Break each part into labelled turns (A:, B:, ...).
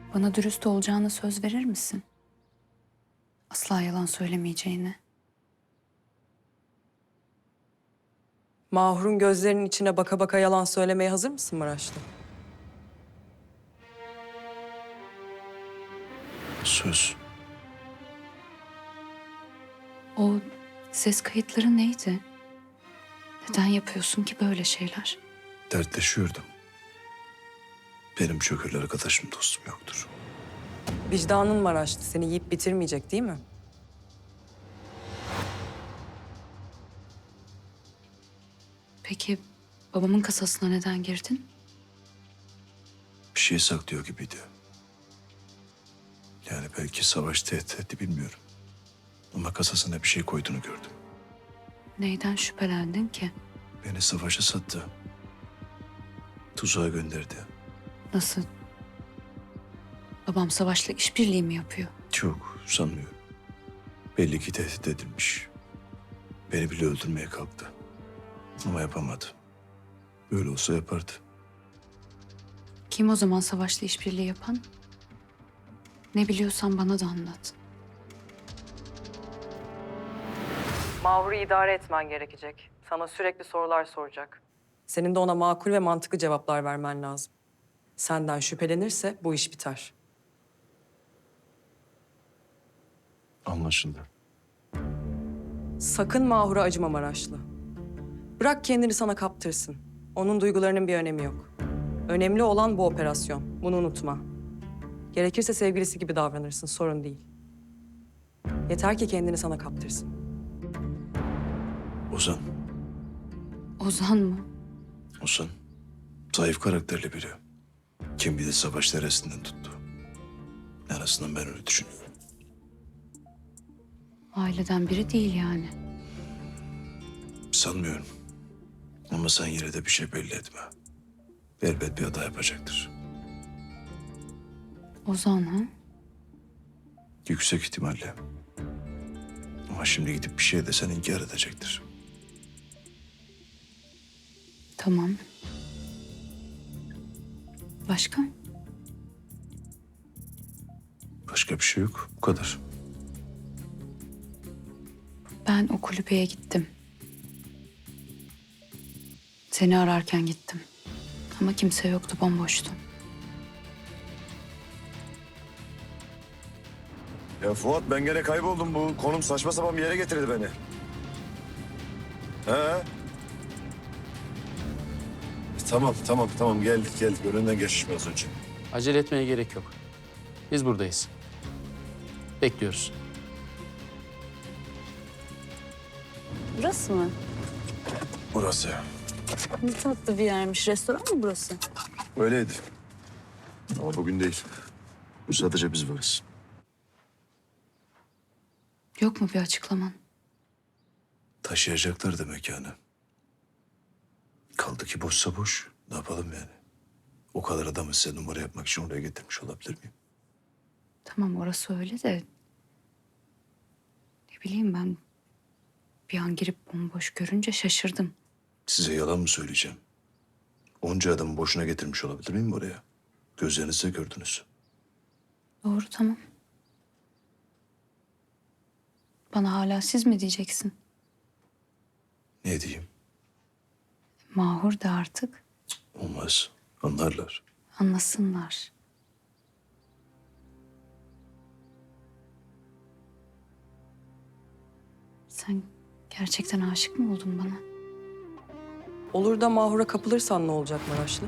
A: Bana dürüst olacağına söz verir misin? Asla yalan söylemeyeceğine.
B: Mahur'un gözlerinin içine baka baka yalan söylemeye hazır mısın Maraşlı?
C: Söz.
A: O ses kayıtları neydi? Neden yapıyorsun ki böyle şeyler?
C: Dertleşiyordum. Benim çok öyle arkadaşım, dostum yoktur.
B: Vicdanın Maraşlı seni yiyip bitirmeyecek değil mi?
A: Peki babamın kasasına neden girdin?
C: Bir şey saklıyor gibiydi. Yani belki savaş tehdit etti, bilmiyorum. Ama kasasına bir şey koyduğunu gördüm.
A: Neyden şüphelendin ki?
C: Beni savaşa sattı. Tuzağa gönderdi.
A: Nasıl? Babam savaşla işbirliği mi yapıyor?
C: Çok sanmıyorum. Belli ki tehdit edilmiş. Beni bile öldürmeye kalktı. Ama yapamadı. Böyle olsa yapardı.
A: Kim o zaman savaşla işbirliği yapan? Ne biliyorsan bana da anlat.
B: Mahur'u idare etmen gerekecek. Sana sürekli sorular soracak. Senin de ona makul ve mantıklı cevaplar vermen lazım. Senden şüphelenirse bu iş biter.
C: Anlaşıldı.
B: Sakın Mahur'a acıma Maraşlı. Bırak kendini sana kaptırsın. Onun duygularının bir önemi yok. Önemli olan bu operasyon. Bunu unutma. Gerekirse sevgilisi gibi davranırsın, sorun değil. Yeter ki kendini sana kaptırsın.
C: Ozan.
A: Ozan mı?
C: Ozan. Zayıf karakterli biri. Kim bilir savaş neresinden tuttu. En azından ben öyle düşünüyorum.
A: Aileden biri değil yani.
C: Sanmıyorum. Ama sen yine de bir şey belli etme. Elbet bir hata yapacaktır.
A: Ozan ha?
C: Yüksek ihtimalle. Ama şimdi gidip bir şey desen inkar edecektir.
A: Tamam. Başka?
C: Başka bir şey yok. Bu kadar.
A: Ben o kulübeye gittim. Seni ararken gittim. Ama kimse yoktu, bomboştu.
D: Ya Fuat, ben gene kayboldum. Bu konum saçma sapan bir yere getirdi beni. He? Tamam geldik. Önünden geçmiş biraz önce.
E: Acele etmeye gerek yok. Biz buradayız. Bekliyoruz.
F: Burası mı?
C: Burası.
F: Ne tatlı bir yermiş. Restoran mı burası?
C: Öyleydi. Ama bugün değil. Bu sadece biz varız.
A: Yok mu bir açıklaman?
C: Taşıyacaklar da mekanı. Kaldı ki boşsa boş. Ne yapalım yani? O kadar adamı size numara yapmak için oraya getirmiş olabilir miyim?
A: Tamam orası öyle de... Ne bileyim ben... Bir an girip bomboş görünce şaşırdım.
C: Size yalan mı söyleyeceğim? Onca adamı boşuna getirmiş olabilir miyim oraya? Gözlerinizle gördünüz.
A: Doğru tamam. Bana hala siz mi diyeceksin?
C: Ne diyeyim?
A: Mahur da artık
C: Olmaz. Anlarlar.
A: anlasınlar. Sen gerçekten aşık mı oldun bana?
B: Olur da Mahur'a kapılırsan ne olacak Maraşlı?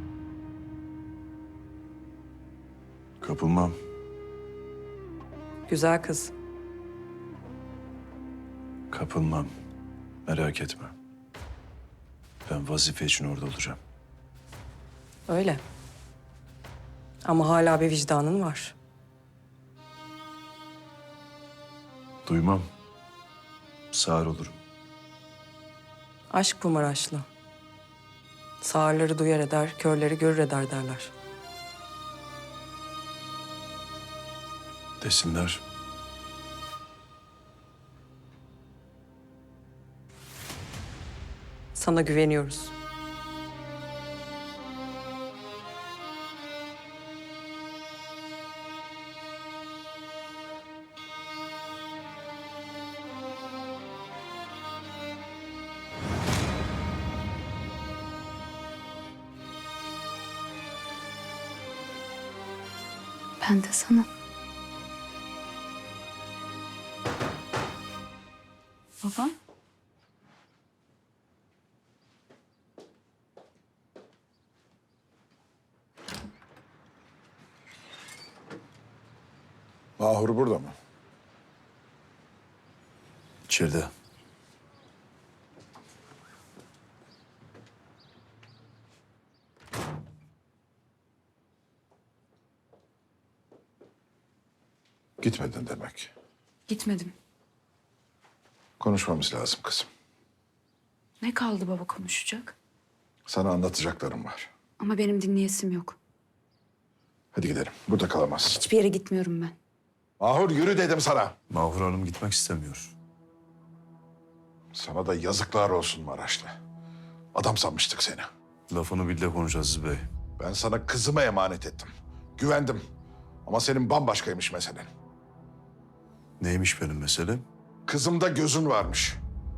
C: Kapılmam.
B: Güzel kız.
C: Kapılmam. Merak etme. Ben vazife için orada olacağım.
B: Öyle. Ama hala bir vicdanın var.
C: Duymam. Sağır olurum.
B: Aşk bu Maraşlı. Sağırları duyar eder, körleri görür eder derler.
C: Desinler.
B: Sana güveniyoruz.
A: Ben de sana.
F: Baba.
G: Mahur burada mı?
C: İçeride.
G: Gitmedin demek.
A: Gitmedim.
G: Konuşmamız lazım kızım.
A: Ne kaldı baba konuşacak?
G: Sana anlatacaklarım var.
A: Ama benim dinleyesim yok.
G: Hadi gidelim. Burada kalamazsın.
A: Hiçbir yere gitmiyorum ben.
G: Mahur yürü dedim sana.
C: Mahur Hanım gitmek istemiyor.
G: Sana da yazıklar olsun Maraşlı. Adam sanmıştık seni.
C: Lafını bil de konuş Aziz Bey.
G: Ben sana kızımı emanet ettim. Güvendim. Ama senin bambaşkaymış meselen.
C: Neymiş benim meselem?
G: Kızımda gözün varmış.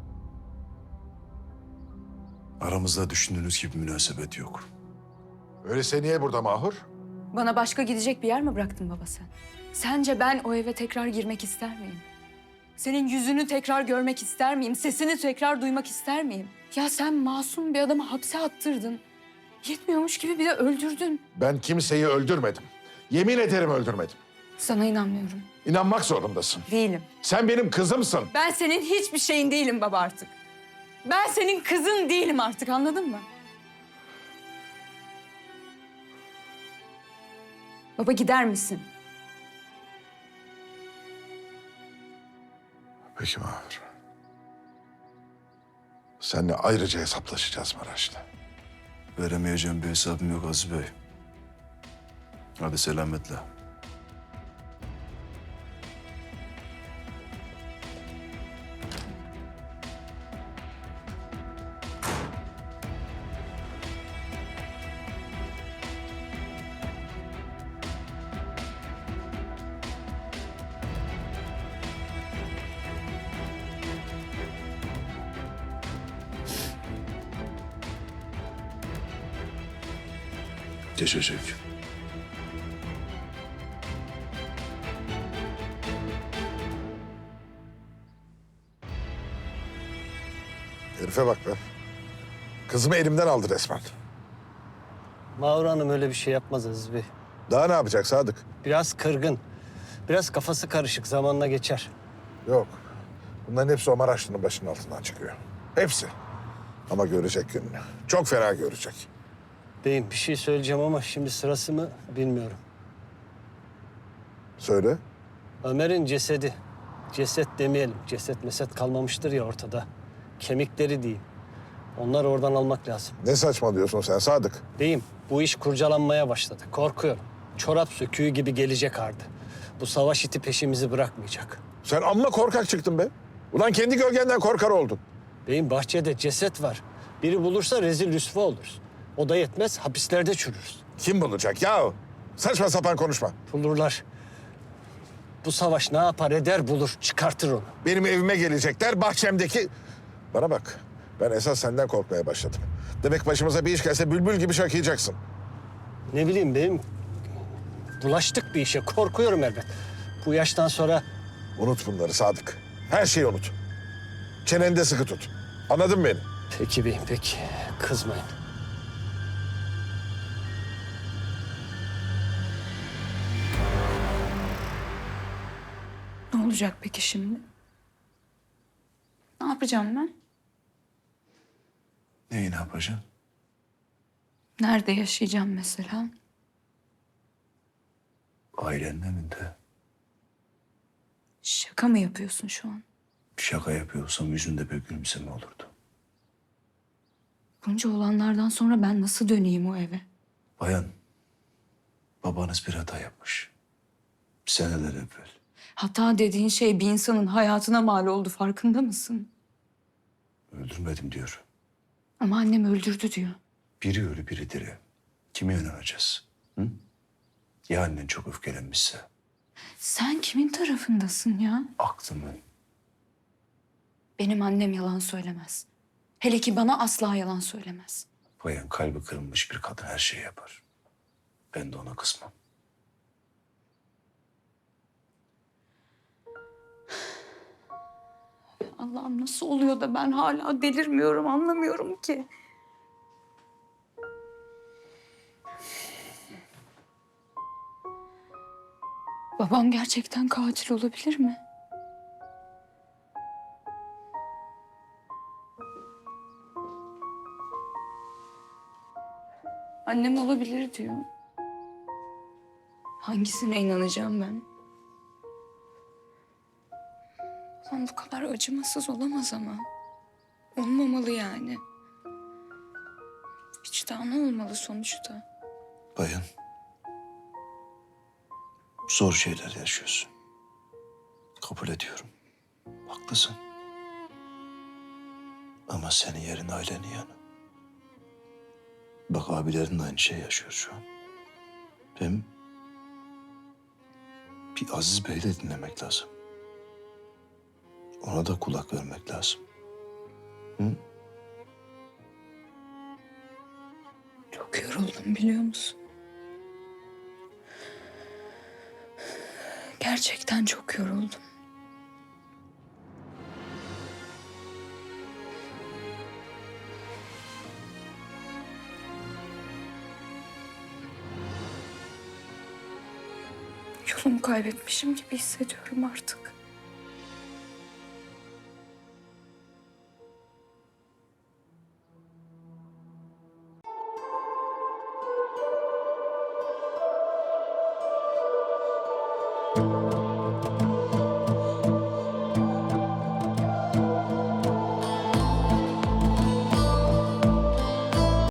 C: Aramızda düşündüğünüz gibi münasebet yok.
G: Öyleyse niye burada Mahur?
A: Bana başka gidecek bir yer mi bıraktın baba sen? Sence ben o eve tekrar girmek ister miyim? Senin yüzünü tekrar görmek ister miyim? Sesini tekrar duymak ister miyim? Ya sen masum bir adamı hapse attırdın. Yetmiyormuş gibi bir de öldürdün.
G: Ben kimseyi öldürmedim. Yemin ederim öldürmedim.
A: Sana inanmıyorum.
G: İnanmak zorundasın.
A: Değilim.
G: Sen benim kızımsın.
A: Ben senin hiçbir şeyin değilim baba artık. Ben senin kızın değilim artık, anladın mı? Baba gider misin?
G: Peki Mahur. Seninle ayrıca hesaplaşacağız Maraşlı.
C: Veremeyeceğim bir hesabım yok Aziz Bey. Hadi selametle. Geçecek.
G: Herife bak be. Kızımı elimden aldı resmen.
H: Mahur Hanım öyle bir şey yapmaz Aziz Bey.
G: Daha ne yapacak Sadık?
H: Biraz kırgın. Biraz kafası karışık. Zamanla geçer.
G: Yok. Bunların hepsi o Maraşlı'nın başının altından çıkıyor. Hepsi. Ama görecek gününü. Çok fena görecek.
H: Beyim bir şey söyleyeceğim ama şimdi sırası mı bilmiyorum.
G: Söyle.
H: Ömer'in cesedi. Ceset demeyelim. Ceset meset kalmamıştır ya ortada. Kemikleri değil. Onları oradan almak lazım.
G: Ne saçmalıyorsun sen Sadık?
H: Beyim bu iş kurcalanmaya başladı. Korkuyorum. Çorap söküğü gibi gelecek ardı. Bu savaş iti peşimizi bırakmayacak.
G: Sen amma korkak çıktın be. Ulan kendi gölgenden korkar oldun.
H: Beyim bahçede ceset var. Biri bulursa rezil rüsva oluruz. O da yetmez hapislerde çürürüz.
G: Kim bulacak ya? Saçma sapan konuşma.
H: Bulurlar. Bu savaş ne yapar eder bulur çıkartır onu.
G: Benim evime gelecekler bahçemdeki... Bana bak. Ben esas senden korkmaya başladım. Demek başımıza bir iş gelse bülbül gibi şakıyacaksın.
H: Ne bileyim benim bulaştık bir işe korkuyorum elbet. Bu yaştan sonra
G: Unut bunları Sadık. Her şeyi unut. Çeneni de sıkı tut. Anladın mı beni?
H: peki beyim peki kızmayın.
A: Ne olacak peki şimdi? Ne yapacağım ben?
C: Neyi ne yapacaksın?
A: Nerede yaşayacağım mesela?
C: Ailenin önünde.
A: Şaka mı yapıyorsun şu an?
C: Şaka yapıyorsam yüzünde bir gülümseme olurdu.
A: Bunca olanlardan sonra ben nasıl döneyim o eve?
C: Bayan, babanız bir hata yapmış. Seneler evvel.
A: Hata dediğin şey bir insanın hayatına mal oldu, farkında mısın?
C: Öldürmedim diyor.
A: Ama annem öldürdü diyor.
C: Biri ölü biri diri. Kime inanacağız? Hı? Ya annen çok öfkelenmişse?
A: Sen kimin tarafındasın ya?
C: Aklımın.
A: Benim annem yalan söylemez. Hele ki bana asla yalan söylemez.
C: Bayan kalbi kırılmış bir kadın her şeyi yapar. Ben de ona kızmam.
A: Allah'ım nasıl oluyor da ben hala delirmiyorum, anlamıyorum ki. Babam gerçekten katil olabilir mi? Annem olabilir diyor. Hangisine inanacağım ben? Babam bu kadar acımasız olamaz ama. Olmamalı yani. Vicdanı olmalı sonuçta.
C: Bayan. Zor şeyler yaşıyorsun. Kabul ediyorum. Haklısın. Ama senin yerin ailenin yanı. Bak abilerin de aynı şey yaşıyor şu an. Hem bir Aziz Bey'i de dinlemek lazım. Ona da kulak vermek lazım. Hı?
A: Çok yoruldum biliyor musun? Gerçekten çok yoruldum. Yolumu kaybetmişim gibi hissediyorum artık.